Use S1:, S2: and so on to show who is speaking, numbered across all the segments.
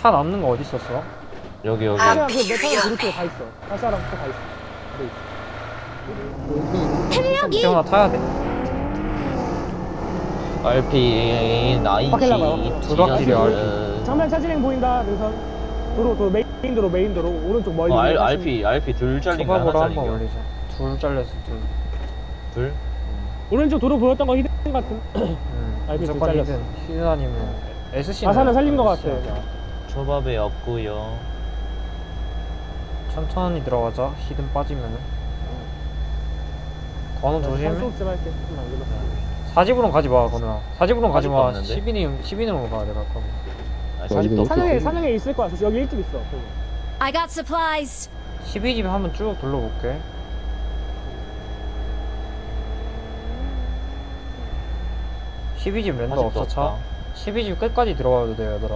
S1: 차 남는 거 어디 있었어?
S2: 여기.
S3: 다시랑 그 메타는 그룹 쪽에 다 있어. 다시랑 또다 있어. 네.
S1: 태훈아 타야 돼.
S2: RP
S3: 바퀴라고요?
S2: 나이키
S1: 두락길이 RP.
S3: 정면 차진행 보인다. 능선. 도로 메인 도로 오른쪽 멀리.
S2: RP 둘 잘린 거 하나
S1: 초밥으로
S2: 잘린
S1: 한번
S2: 거.
S1: 올리자. 둘 잘렸어
S2: 둘?
S3: 오른쪽 도로 보였던 거 히든 같은. RP 둘
S1: 무조건
S3: 잘렸어.
S1: 히든 아니면 SC는
S3: 아사는 살린 거 같아.
S2: 초밥에 없고요.
S1: 천천히 들어가자. 히든 빠지면은. 건우 조심해.
S3: 산속 좀 할게. 좀 남겨놔.
S1: 사집으로 가지 마, 건우야. 사집으로는 가지 마.
S2: 사집도
S1: 12인으로 가야 돼, 갈 거면.
S2: 사집도
S3: 산행에 있을 거야. 여기 일집 있어.
S4: I got supplies.
S1: 12집 한번 쭉 둘러볼게. (12집) 랜더 없어 차. 12집 끝까지 들어가도 돼 얘들아.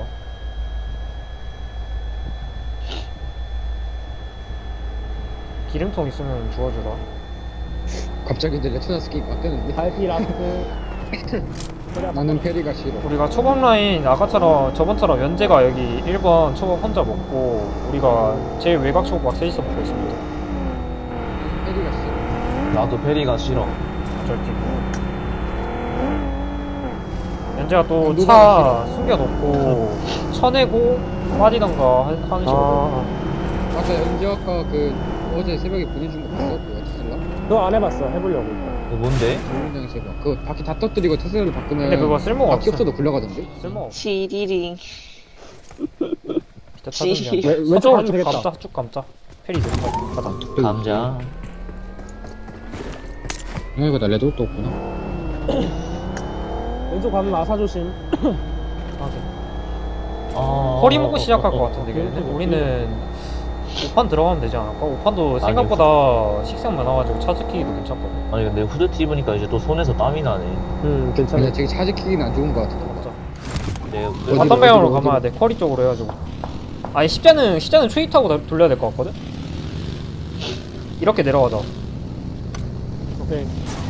S1: 기름통 있으면 주워주라.
S5: 갑자기 이제 레트나스키 바뀌었는데
S3: RP 라스트.
S5: 나는 페리가 싫어.
S1: 우리가 초밥 라인 아까처럼 저번처럼 연재가 여기 1번 초밥 혼자 먹고 우리가 제일 외곽 초밥 셋이서 먹고 있습니다.
S5: 페리가 싫어.
S2: 나도 페리가 싫어.
S1: 절티고 연재가 또 차 숨겨놓고 쳐내고 빠지던가 하는 식으로.
S5: 맞아, 연지 아까 그 어제 새벽에 보내준 거 봤어? 그 테슬라?
S3: 너 안 해봤어. 해보려고.
S2: 그거 뭔데?
S5: 정류장에서 봐. 그거 바퀴 다 터뜨리고 테슬라를 바꾸면
S1: 근데 그거 쓸모가
S5: 바퀴
S1: 없어.
S5: 없어도 굴러가던데?
S1: 쓸모없어.
S6: 시리링.
S1: 진짜 차등이야.
S3: 왼쪽
S1: 저쪽으로
S3: 가면
S1: 쭉
S3: 되겠다.
S1: 감자, 쭉 감자. 페리 내려가자. 가자.
S2: 감자.
S5: 이거 나 레드옷도 없구나.
S3: 왼쪽 가면 아사 조심.
S1: 허리 먹고 시작할 것 같은데 걔네들? 우리는 5판 들어가면 되지 않을까? 5판도 생각보다 식생 많아가지고 차 지키기도 괜찮거든.
S2: 아니 근데 후드티 입으니까 이제 또 손에서 땀이 나네.
S3: 괜찮아.
S5: 근데 되게 차지키기는 안 좋은 거 같아.
S1: 맞아.
S2: 내가
S1: 어떤 방향으로
S5: 어디로?
S1: 가봐야 돼? 커리 쪽으로 해가지고. 아니 십자는 추이 타고 돌려야 될 것 같거든? 이렇게 내려가자.
S3: 오케이.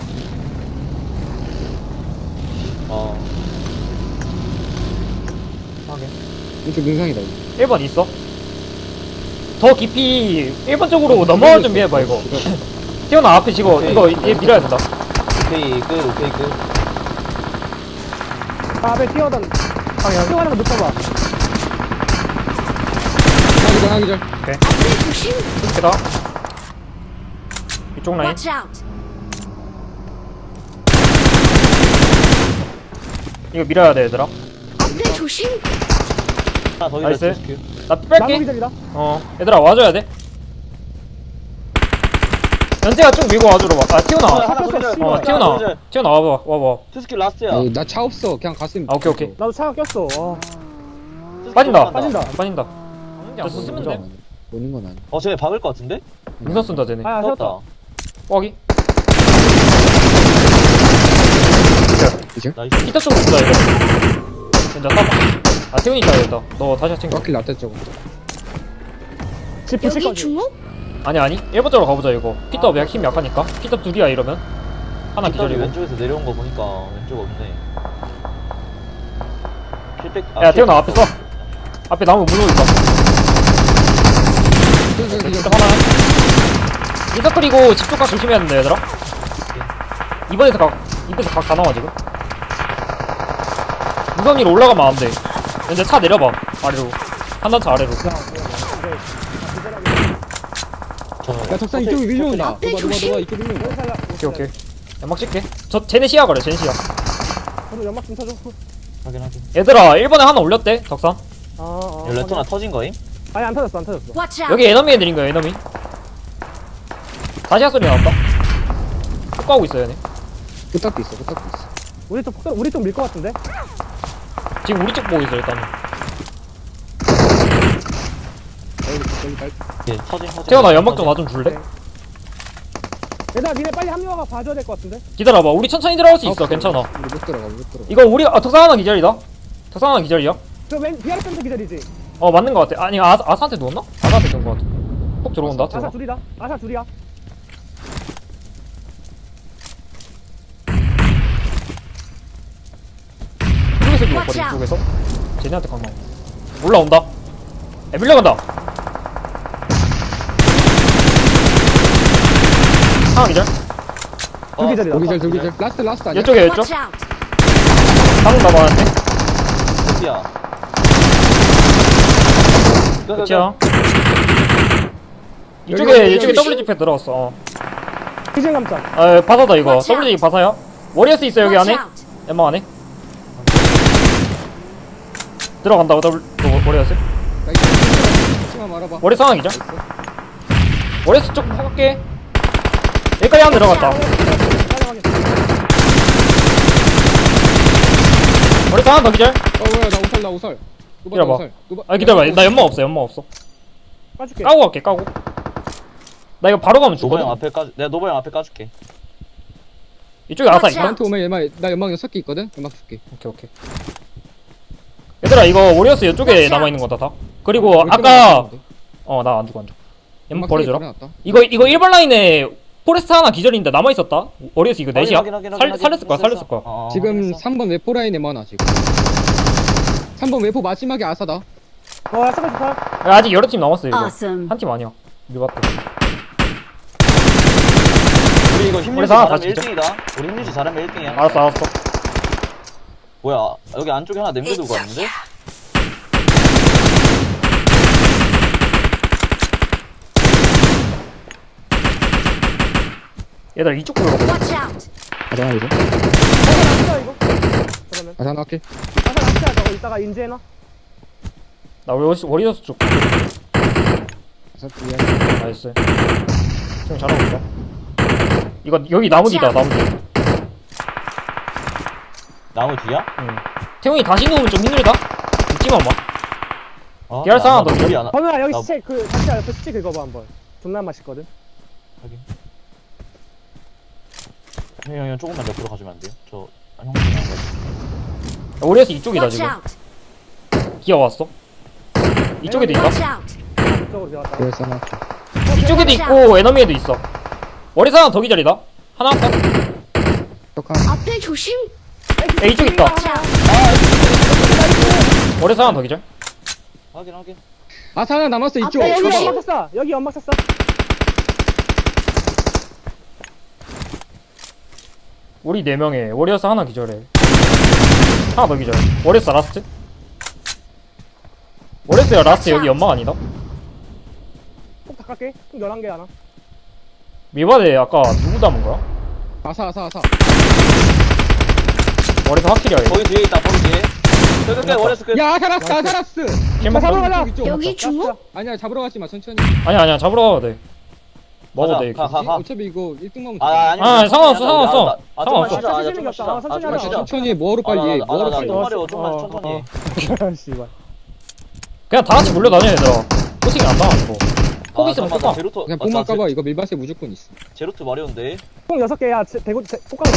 S1: 하게.
S5: 이쪽 능상이다.
S1: 1번 있어? 더 깊이 1번 쪽으로 넘어갈 준비해봐 이거. 태어나 앞에 지금 이거 얘 밀어야 된다.
S2: 오케이 끝.
S3: 앞에 뛰어가는 거 눕혀봐.
S5: 하기절.
S4: 앞에 조심.
S1: 이렇게다. 이쪽 라인.
S4: Watch out.
S1: 이거 밀어야 돼 얘들아.
S4: 앞에 조심.
S2: 하나 더
S1: 나이스.
S2: 기다려.
S1: 나
S3: 나무
S1: 뺄게.
S3: 기절이다.
S1: 얘들아 와줘야 돼. 연재가 쭉 밀고 와주러 와. 아 튀어나와.
S2: 하나 더 기다려.
S1: 튀어나와 와봐.
S2: 투스킬 라스트야.
S5: 나 차 없어. 그냥 갔으면.
S1: 아 오케이.
S3: 나도 차가 꼈어.
S1: 빠진다.
S3: 빠진다.
S1: 빠진다. 저 쓰면 돼.
S5: 보는 건 아니야.
S2: 쟤네 박을 것 같은데?
S1: 우선 쏜다 쟤네.
S3: 아,
S2: 떴다.
S3: 세웠다.
S1: 뻐기.
S2: 나이스.
S1: 히터 쪽으로 쏜다 얘들아. 진짜 싸봐. 아 태훈이 타야겠다. 너 다시 챙겨.
S5: 바퀴 라떼 저거.
S3: 집 붙일
S4: 여기
S3: 거지.
S4: 중옥?
S1: 아니 1번 쪽으로 가보자 이거. 피터 힘 약하니까. 피터 둘이야 이러면. 하나
S2: 기절이
S1: 기절이고.
S2: 왼쪽에서 내려온 거 보니까 왼쪽 없네.
S1: 야 태훈아 앞에 써. 앞에 나무 물고 있다. 피터 하나. 인사 그리고 집쪽 각 조심해야 된다 얘들아. 이번에서 각 다 나와 지금. 우선 위로 올라가면 안 돼. 이제 차 내려봐 아래로. 한 단차 아래로.
S5: 야, 덕산 이쪽에 밀려온다.
S4: 앞에
S5: 누가
S4: 조심.
S5: 이쪽 밀려온다.
S1: 오케이. 연막 찍게. 쟤네 시야 가래 쟤네 시야.
S3: 저도 연막 좀 쳐줘.
S2: 확인.
S1: 얘들아 1번에 하나 올렸대 덕산.
S2: 이 레토나 터진 거임?
S3: 아니 안 터졌어.
S4: Watch out.
S1: 여기 에너미 애들인 거야 에너미. 다시야 소리 나왔다. 쭉 가고 있어 얘네.
S5: 끝딱도 있어.
S3: 우리 쪽 밀 것 같은데?
S1: 지금 우리 쪽 보고 있어 일단.
S2: 예, 터진.
S1: 태연아 연막 좀 나 좀 줄래?
S3: 얘들아 니네 빨리 합류하가 봐줘야 될 것 같은데?
S1: 기다려봐 우리 천천히 들어갈 수 있어 괜찮아.
S5: 우리 못 들어가.
S1: 이거 우리 덕산 하나 기절이다. 덕산 하나 기절이야.
S3: 저맨 비아르 센터 기다리지?
S1: 맞는 거 같아. 아니 아사한테 누웠나? 아사한테 누운 거 같아. 폭 들어온다
S3: 아사
S1: 태연아.
S3: 둘이다. 아사 둘이야.
S1: 이쪽에서 누웠거든 이쪽에서. 쟤네한테 강나. 올라온다. 야, 밀려간다. 상황 기절.
S3: 두기절이다.
S5: 저기절 라스트 아니야?
S1: 이쪽에 이쪽.
S4: Watch out!
S1: 방금 남았는데.
S2: 어디야?
S1: 그치야.
S5: 여기,
S1: 이쪽에
S5: 여기.
S1: WGP 들어왔어. 어.
S3: 기진 감점.
S1: 아, 바사다 이거.
S4: Watch out.
S1: WGP 바사야. 워리어스 있어 여기
S4: Watch
S1: 안에.
S4: out!
S1: 엠마 안에. 들어간다고 워리어스.
S5: 치마 말아봐.
S1: 워리어스 상황이죠. 워리어스 쪽 할게. 여기까지 한 들어갔다. 워리어스 하나 더 기절.
S5: 뭐야 나 우설.
S1: 기다려봐. 아 기다려봐. 나 연막 없어.
S3: 빠줄게.
S1: 까고 갈게 까고. 나 이거 바로 가면
S2: 노바 형
S1: 죽거든.
S2: 앞에 까 내가 노바 형 앞에 까줄게.
S1: 이쪽에 아사
S4: Watch
S1: 있다.
S5: 나한테 오면 나 연막 6개 있거든? 연막 줄게.
S1: 오케이. 얘들아 이거 워리어스 이쪽에
S4: Watch
S1: 남아
S4: out.
S1: 있는 거다 다. 그리고 아까 나 안 죽어. 연막 버려줘라.
S5: 버려놨다.
S1: 이거 1번 라인에 포레스트 하나 기절인데 남아 있었다. 워리어스 이거 넷이야.
S2: 확인.
S1: 살렸을 거야.
S5: 지금 3번 웨포 라인에 많아 지금. 3번 웨포 마지막에 아사다.
S3: 잠깐 좋다.
S1: 야, 아직 여러 팀 남았어 이거.
S4: Awesome.
S1: 한 팀 아니야. 밀봤다.
S2: 우리 이거 힘유지
S1: 우리 상황
S2: 잘하면
S1: 다
S2: 1등이다. 우리 힘유지 잘하면 1등이야.
S1: 알았어.
S2: 뭐야? 여기 안쪽에 하나 남겨두고 왔는데?
S1: 얘들아 이쪽 보러 가보자.
S4: Watch out!
S5: 가자 이제.
S3: 아사 이거. 그러면.
S5: 아사 나올게.
S3: 아사 낚시야 저거 이따가 인지해놔.
S1: 나 워리어스 쪽.
S5: 아사 뒤에.
S1: 나이스. 좀 잘하고 있다. 이거 여기 나무 뒤다 나무 뒤.
S2: 나무 뒤야?
S1: 응. 태용이 다시 누우면 좀 힘들다. 죽지만 마.
S2: 어?
S1: 계열 상황 더
S2: 우리
S1: 있어?
S2: 안
S3: 번우야 여기
S2: 나-
S3: 시체 잠시야 옆에 시체 긁어봐 한번. 존나 맛있거든.
S2: 형 조금만 옆으로 가주면 안 돼요? 저 형님 안 가요.
S1: 워리어스 이쪽이다
S4: Watch
S1: 지금.
S4: out!
S1: 기어 왔어. 이쪽에도 있다.
S4: Watch out!
S3: 이쪽으로 들어갔다.
S5: 그래서 나.
S1: 이쪽에도 있고 에너미에도 있어. 워리어스 하나 더 기절이다. 하나 더.
S5: 떡한.
S4: 앞에 조심!
S1: 야 이쪽 있다.
S4: Watch out!
S1: 워리어스 하나 더 기절.
S2: 확인.
S5: 아사 하나 남았어 이쪽.
S3: 여기
S4: 조심.
S3: 연막 쐈어. 여기 연막 쐈어.
S1: 우리 4명에 워리어스 하나 기절해. 하나 더 기절. 워리어스 라스트? 워리어스야 라스트 여기 연막 아니다?
S3: 꼭 닦을게. 좀 11개 하나.
S1: 미바데 아까 누구 담은 거야?
S5: 아사.
S1: 워리어스 확실이야 얘.
S2: 거기 뒤에 있다. 거기 뒤에. 끝. 워레스 끝.
S5: 야 아사라스.
S1: 킬먹
S3: 잡으러 가자.
S5: 이쪽.
S4: 여기 중국?
S5: 아니야 잡으러 가지 마 천천히.
S1: 아니야 잡으러 가도 돼. 먹어도 돼.
S2: 가자, 가.
S5: 어차피 이거 1등 먹으면
S2: 아니.
S1: 아, 상관없어.
S2: 좀만
S1: 상관없어.
S2: 쉬자.
S3: 천천히
S2: 좀만 쉬자.
S3: 생겼다. 천천히
S2: 좀만
S3: 하자.
S2: 쉬자.
S5: 천천히 뭐하러 빨리 해. 뭐하러 빨리.
S2: 좀만
S3: 씨발.
S1: 그냥 다 같이 몰려다녀 얘들아. 코칭이 안 당하고. 폭 있으면
S2: 잠깐만,
S1: 뽑아.
S2: 제로토.
S5: 그냥 뽕만 까봐 이거 밀밭에 무조건 있어.
S2: 제로토 마리온데.
S3: 총 6개야. 대구 꽃가루.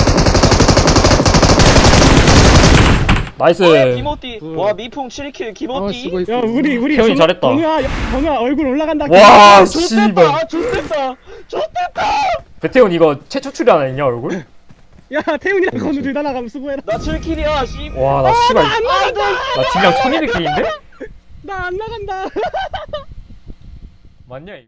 S1: 나이스.
S2: 기모띠. 와 미풍 7킬
S5: 아
S2: 기모띠.
S5: 수고 있고.
S3: 야 우리
S1: 태훈이 잘했다.
S3: 번우야 얼굴 올라간다.
S1: 와 씨발.
S2: 좋댔다.
S1: 베테온 이거 최초 출연 아니냐 얼굴?
S3: 야 태훈이랑 건우 둘 다 나가면 수고해라.
S2: 나 7킬이야. 씨.
S1: 와 나 씨발.
S3: 안 나간다.
S1: 나 딜량 1200킬인데?
S3: 나 안 나간다.
S1: 맞냐 이거?